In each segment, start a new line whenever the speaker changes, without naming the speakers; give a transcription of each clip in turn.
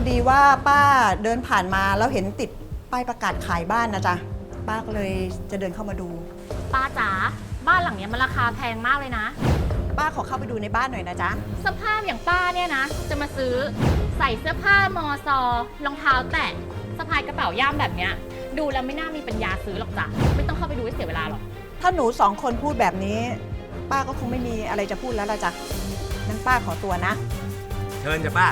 ดีว่าป้าเดินผ่านมาแล้วเห็นติดป้ายประกาศขายบ้านนะจ๊ะป้าก็เลยจะเดินเข้ามาดู
ป้าจ๋าบ้านหลังนี้มันราคาแพงมากเลยนะ
ป้าขอเข้าไปดูในบ้านหน่อยนะจ๊ะ
สภาพอย่างป้าเนี่ยนะจะมาซื้อใส่เสื้อผ้ามอซอรองเท้าแตะสะพายกระเป๋าย่ามแบบเนี้ยดูแล้วไม่น่ามีปัญญาซื้อหรอกจ้ะไม่ต้องเข้าไปดูให้เสียเวลาหรอก
ถ้าหนูสองคนพูดแบบนี้ป้าก็คงไม่มีอะไรจะพูดแล้วละจ๊ะงั้นป้าขอตัวนะ
เชิญจ้ะป้า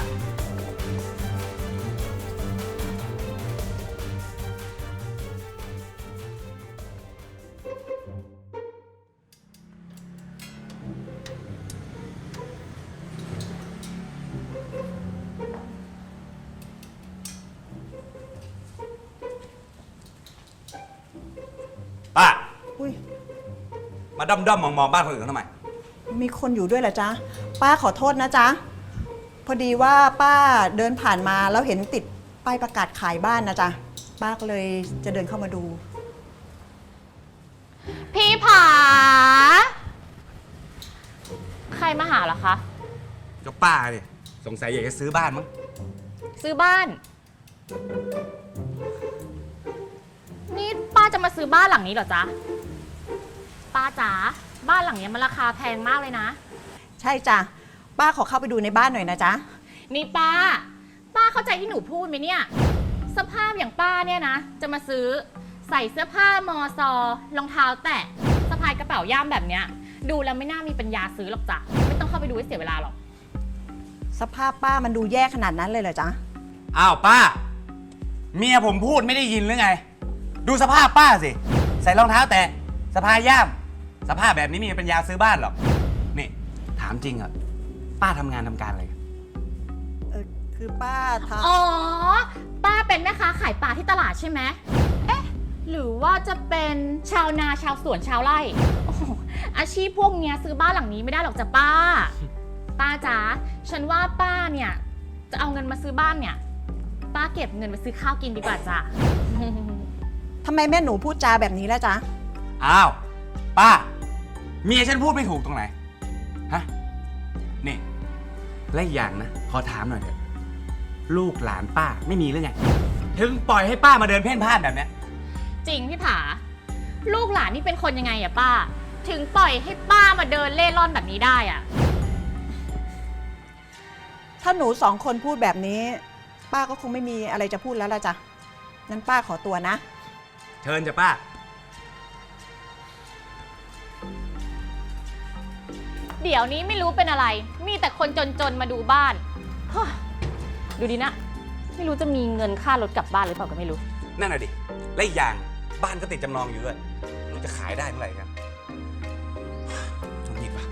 ป้า
อุ้ย
มาด้อมมองบ้านคนอื่นเขาทำไม
มีคนอยู่ด้วยเหรอจ๊ะป้าขอโทษนะจ๊ะพอดีว่าป้าเดินผ่านมาแล้วเห็นติดป้ายประกาศขายบ้านนะจ๊ะป้าก็เลยจะเดินเข้ามาดู
พี่ผาใครมาหาเหรอคะ
ก็ป้าเนี่ยสงสัยอยากจะซื้อบ้านมั้ง
ซื้อบ้านนี่ป้าจะมาซื้อบ้านหลังนี้เหรอจ๊ะป้าจ๋าบ้านหลังนี้มันราคาแพงมากเลยนะ
ใช่จ้ะป้าขอเข้าไปดูในบ้านหน่อยนะจ๊ะ
นี่ป้าเข้าใจที่หนูพูดไหมเนี่ยสภาพอย่างป้าเนี่ยนะจะมาซื้อใส่เสื้อผ้ามอซอรองเท้าแตะสะพายกระเป๋าย่ามแบบเนี้ยดูแล้วไม่น่ามีปัญญาซื้อหรอกจ้ะไม่ต้องเข้าไปดูให้เสียเวลาหรอก
สภาพป้ามันดูแย่ขนาดนั้นเลยเหรอจ๊ะ
อ้าวป้าเมียผมพูดไม่ได้ยินหรือไงดูสภาพป้าสิใส่รองเท้าแตะสะพายย่ามสภาพแบบนี้มีปัญญาซื้อบ้านหรอนี่ถามจริงอะป้าทำงานทำการอะไร
คือป้า
อ๋อป้าเป็นแม่ค้าขายปลาที่ตลาดใช่ไหมเอ๊ะหรือว่าจะเป็นชาวนาชาวสวนชาวไร่โอ้อาชีพพวกเนี้ยซื้อบ้านหลังนี้ไม่ได้หรอกจ้ะป้าจ๋าฉันว่าป้าเนี่ยจะเอาเงินมาซื้อบ้านเนี่ยป้าเก็บเงินไปซื้อข้าวกินดีกว่าจ้ะ
ทำไมแม่หนูพูดจาแบบนี้ล่ะจ๊ะ
อ้าวป้าเมียฉันพูดไม่ถูกตรงไหนฮะนี่และอีกอย่างนะขอถามหน่อยเถอะลูกหลานป้าไม่มีหรือไงถึงปล่อยให้ป้ามาเดินเพ่นพ่านแบบนี้
จริงพี่ผาลูกหลานนี่เป็นคนยังไงอะป้าถึงปล่อยให้ป้ามาเดินเล่ร่อนแบบนี้ได้อะ
ถ้าหนูสองคนพูดแบบนี้ป้าก็คงไม่มีอะไรจะพูดแล้วละจ๊ะงั้นป้าขอตัวนะ
เชิญจ้ะป้า
เดี๋ยวนี้ไม่รู้เป็นอะไรมีแต่คนจนๆมาดูบ้านดูดินะไม่รู้จะมีเงินค่ารถกลับบ้านหรือเปล่าก็ไม่รู้
นั่นน่ะดิและอีกอย่างบ้านก็ติดจำนองอยู่ด้วยเราจะขายได้เมื่อไหร่กันจงหยิบป่ะ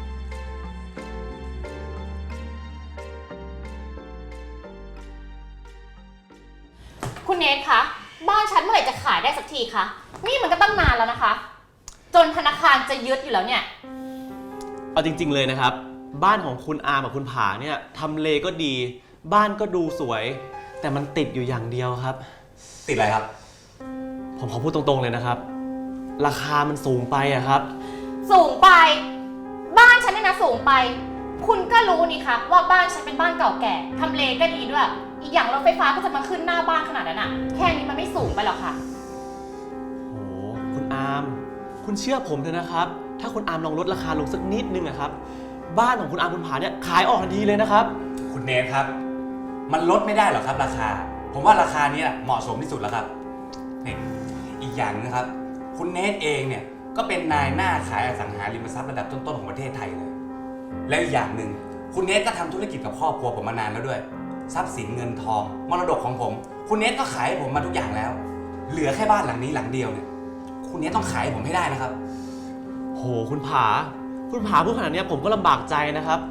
คุณเนทคะบ้านฉันเมื่อไหร่จะขายได้สักทีคะนี่มันก็ตั้งนานแล้วนะคะจนธนาคารจะยึดอยู่แล้วเนี่ย
เอาจริงๆเลยนะครับบ้านของคุณอาร์มกับคุณผาเนี่ยทำเลก็ดีบ้านก็ดูสวยแต่มันติดอยู่อย่างเดียวครับ
ติดอะไรครับ
ผมขอพูดตรงๆเลยนะครับราคามันสูงไปอะครับ
สูงไปบ้านฉันเนี่ยนะสูงไปคุณก็รู้นี่คะว่าบ้านฉันเป็นบ้านเก่าแก่ทำเลก็ดีด้วยอีกอย่างรถไฟฟ้าก็จะมาขึ้นหน้าบ้านขนาดนั้นอะแค่นี้มันไม่สูงไปหรอกค่ะ
โอ้คุณอาร์มคุณเชื่อผมเถอะนะครับถ้าคุณอาร์มลองลดราคาลงสักนิดนึงนะครับบ้านของคุณอาร์มคุณผาเนี่ยขายออกทันทีเลยนะครับ
คุณเนทครับมันลดไม่ได้หรอกครับราคาผมว่าราคานี้เหมาะสมที่สุดแล้วครับนี่อีกอย่างนะครับคุณเนทเองเนี่ยก็เป็นนายหน้าขายอสังหาริมทรัพย์ระดับต้นๆของประเทศไทยเลยและอีกอย่างหนึ่งคุณเนทก็ทำธุรกิจกับครอบครัวผมมานานแล้วด้วยทรัพย์สินเงินทองมรดกของผมคุณเนทก็ขายให้ผมมาทุกอย่างแล้วเหลือแค่บ้านหลังนี้หลังเดียวเนี่ยคุณเนทต้องขายให้ผมให้ได้นะครับ
โหคุณผาพูดขนาดนี้ผมก็ลำบากใจนะครับ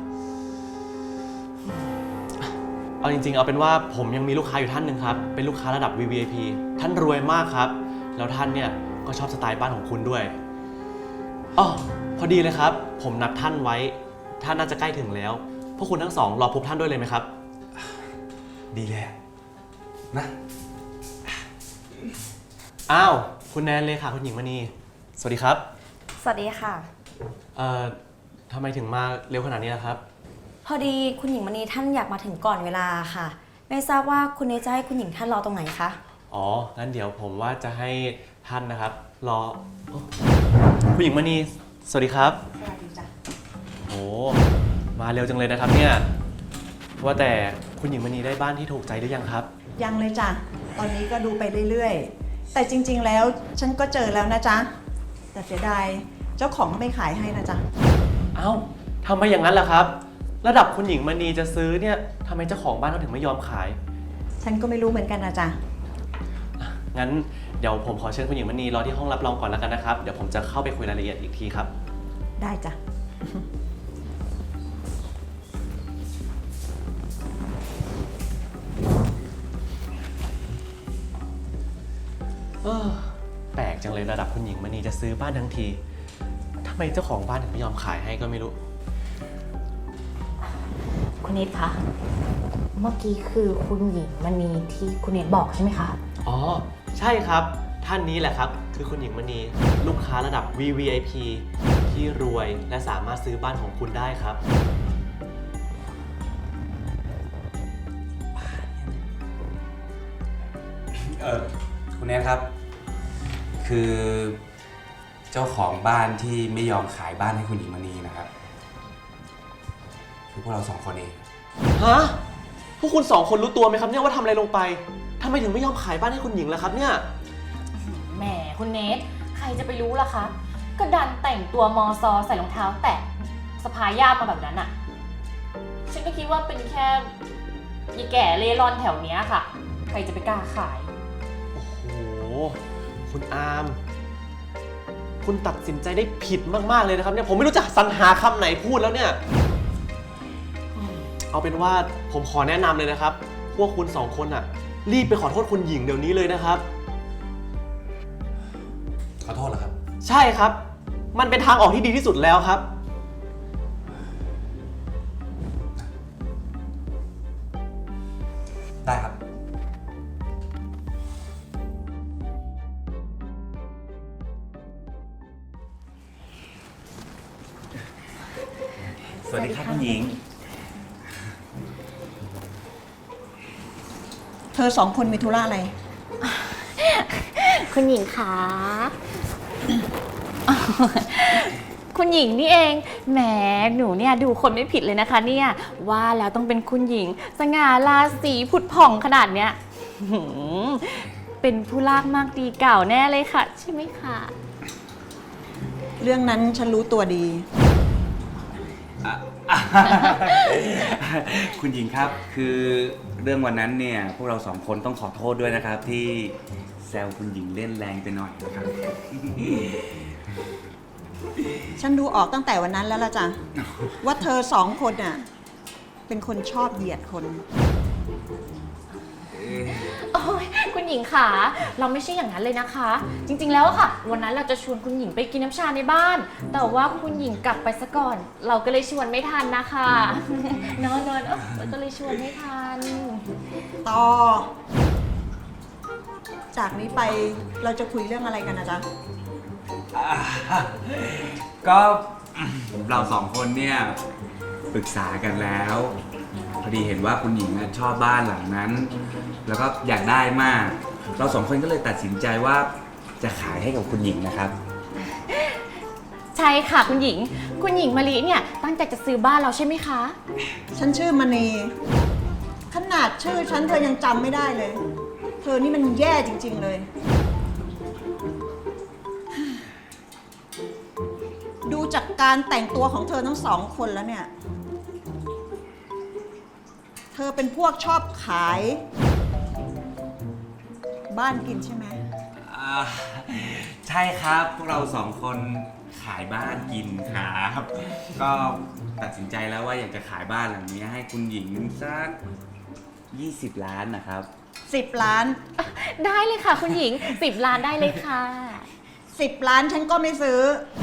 เอาจริงๆเอาเป็นว่าผมยังมีลูกค้าอยู่ท่านหนึ่งครับเป็นลูกค้าระดับ VVIP ท่านรวยมากครับแล้วท่านเนี่ยก็ชอบสไตล์บ้านของคุณด้วยอ๋อพอดีเลยครับผมนัดท่านไว้ท่านน่าจะใกล้ถึงแล้วพวกคุณทั้งสองรอพบท่านด้วยเลยไหมครับ
ดีเลยนะ
อ้าวคุณแนนเลยค่ะคุณหญิงมณีสวัสดีครับ
สวัสดีค่ะ
ทำไมถึงมาเร็วขนาดนี้ล่ะครับ
พอดีคุณหญิงมณีท่านอยากมาถึงก่อนเวลาค่ะไม่ทราบว่าคุณเนทจะให้คุณหญิงท่านรอตรงไหนคะ
อ๋อ งั้นเดี๋ยวผมว่าจะให้ท่านนะครับ รอโอ้คุณหญิงมณี สวัสดีครับ
สวัสดีจ้ะ
โอ้มาเร็วจังเลยนะครับเนี่ยว่าแต่คุณหญิงมณีได้บ้านที่ถูกใจหรือยังครับ
ยังเลยจ้ะ ตอนนี้ก็ดูไปเรื่อยๆ แต่จริงๆ แล้วฉันก็เจอแล้วนะจ๊ะ แต่เสียดายเจ้าของเขาไม่ขายให้นะจ๊ะ
เอ้าทำไมอย่างนั้นล่ะครับ ระดับคุณหญิงมณีจะซื้อเนี่ยทำไมเจ้าของบ้านเขาถึงไม่ยอมขาย
ฉันก็ไม่รู้เหมือนกันนะจ๊ะ
งั้นเดี๋ยวผมขอเชิญคุณหญิงมณีรอที่ห้องรับรองก่อนแล้วกันนะครับ เดี๋ยวผมจะเข้าไปคุยรายละเอียดอีกทีครับ
ได้จ้ะ
แปลกจังเลยระดับคุณหญิงมณีจะซื้อบ้านทั้งทีทำไมเจ้าของบ้านถึงไม่ยอมขายให้ก็ไม่รู้
คุณเนทคะ เมื่อกี้คือคุณหญิงมณีที่คุณเนทบอกใช่ไหมคะ
อ๋อ ใช่ครับ ท่านนี้แหละครับ คือคุณหญิงมณีลูกค้าระดับ VVIP ที่รวยและสามารถซื้อบ้านของคุณได้ครับ
คุณเนทครับ คือเจ้าของบ้านที่ไม่ยอมขายบ้านให้คุณหญิงมณีนะครับ คือพวกเรา2 คนเอง
ฮะ พวกคุณสองคนรู้ตัวไหมครับเนี่ยว่าทำอะไรลงไปทำไมถึงไม่ยอมขายบ้านให้คุณหญิงล่ะครับเนี่ย
แหมคุณเนทใครจะไปรู้ล่ะคะ ก็ดันแต่งตัวมอซอใส่รองเท้าแตะสะพายย่ามมาแบบนั้นอะฉันก็คิดว่าเป็นแค่ยีแก่เล่ร่อนแถวเนี้ยค่ะ ใครจะไปกล้าขาย
โอ้โห คุณอาร์ม คุณตัดสินใจได้ผิดมากๆเลยนะครับเนี่ย ผมไม่รู้จะสรรหาคำไหนพูดแล้วเนี่ย เอาเป็นว่าผมขอแนะนำเลยนะครับ พวกคุณสองคนอ่ะ รีบไปขอโทษคุณหญิงเดี๋ยวนี้เลยนะครับ
ขอโทษเหรอครับ
ใช่ครับ มันเป็นทางออกที่ดีที่สุดแล้วครับ
ได้ครับ สวัสดีครับคุณหญิง
เธอ2 คนมีธุระอะไร
คุณหญิงคะ คุณหญิงนี่เอง แหม หนูเนี่ยดูคนไม่ผิดเลยนะคะเนี่ย ว่าแล้วต้องเป็นคุณหญิง สง่าราศีผุดผ่องขนาดเนี้ยหือเป็นผู้ลากมากดีเก่าแน่เลยค่ะ ใช่ไหมคะ
เรื่องนั้นฉันรู้ตัวดี
คุณหญิงครับ คือเรื่องวันนั้นเนี่ย พวกเรา2 คนต้องขอโทษด้วยนะครับ ที่แซวคุณหญิงเล่นแรงไปหน่อยนะครับ
ฉันดูออกตั้งแต่วันนั้นแล้วล่ะจ้ะ ว่าเธอ2 คนน่ะ เป็นคนชอบเหยียดคน
โอ้ยคุณหญิงค่ะเราไม่ใช่อย่างนั้นเลยนะคะ จริงๆแล้วอะค่ะ วันนั้นเราจะชวนคุณหญิงไปกินน้ำชาในบ้าน แต่ว่าคุณหญิงกลับไปซะก่อน เราก็เลยชวนไม่ทันนะคะ นอนเราก็เลยชวนไม่ทัน
ต่อ จากนี้ไปเราจะคุยเรื่องอะไรกันนะจ๊ะ
ก็เรา2 คนเนี่ยปรึกษากันแล้ว พอดีเห็นว่าคุณหญิงชอบบ้านหลังนั้น แล้วก็อยากได้มาก เรา2 คนก็เลยตัดสินใจว่าจะขายให้กับคุณหญิงนะครับ
ใช่ค่ะคุณหญิง คุณหญิงมะลิเนี่ยตั้งใจจะซื้อบ้านเราใช่ไหมคะ
ฉันชื่อมณี ขนาดชื่อฉันเธอยังจำไม่ได้เลย เธอนี่มันแย่จริงๆเลย ดูจากการแต่งตัวของเธอทั้ง2 คนแล้วเนี่ย เธอเป็นพวกชอบขาย บ้านกินใช่ไหม
ใช่ครับ พวกเรา2 คนขายบ้านกินครับ ก็ตัดสินใจแล้วว่าอยากจะขายบ้านหลังนี้ให้คุณหญิงสัก20 ล้านนะครับ
10 ล้าน
ได้เลยค่ะคุณหญิง 10 ล้านได้เลยค่ะ
10 ล้านฉันก็ไม่ซื้อ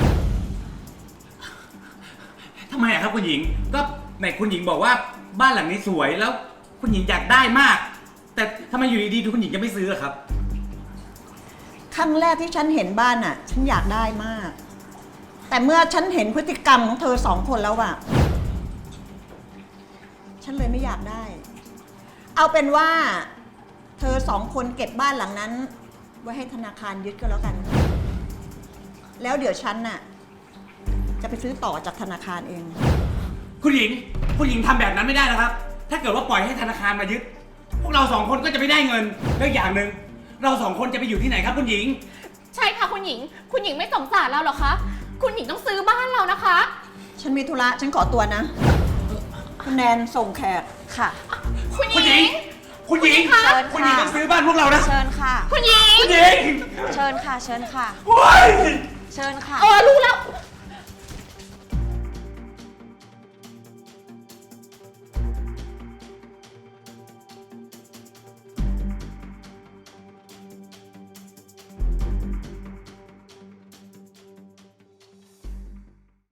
ทำไมอะครับคุณหญิง ก็ไหนคุณหญิงบอกว่าบ้านหลังนี้สวยแล้วคุณหญิงอยากได้มาก แต่ทำไมอยู่ดีๆคุณหญิงจะไม่ซื้ออะครับ
ครั้งแรกที่ฉันเห็นบ้านน่ะ ฉันอยากได้มาก แต่เมื่อฉันเห็นพฤติกรรมของเธอ2 คนแล้วอะฉันเลยไม่อยากได้เอาเป็นว่า เธอสองคนเก็บบ้านหลังนั้น ไว้ให้ธนาคารยึดก็แล้วกัน แล้วเดี๋ยวฉันน่ะจะไปซื้อต่อจากธนาคารเอง
คุณหญิงทำแบบนั้นไม่ได้นะครับ ถ้าเกิดว่าปล่อยให้ธนาคารมายึด พวกเราสองคนก็จะไม่ได้เงิน แล้วอย่างหนึ่งเราสองคนจะไปอยู่ที่ไหนครับคุณหญิง
ใช่ค่ะคุณหญิง คุณหญิงไม่สงสารเราเหรอคะ คุณหญิงต้องซื้อบ้านเรานะคะ
ฉันมีธุระฉันขอตัวนะ คุณแนนส่งแขก
ค่ะ
คุณหญิง
คุณหญิง
คะ
เชิญ
คุณหญิง
ค่ะ
ต้องซื้อบ้านพวกเรานะ
เชิญค่ะ
คุณหญิง
คุณหญิง
เชิญค่ะ เชิญค่ะ
โอ้ย
เชิญค่ะ
รู้แล้ว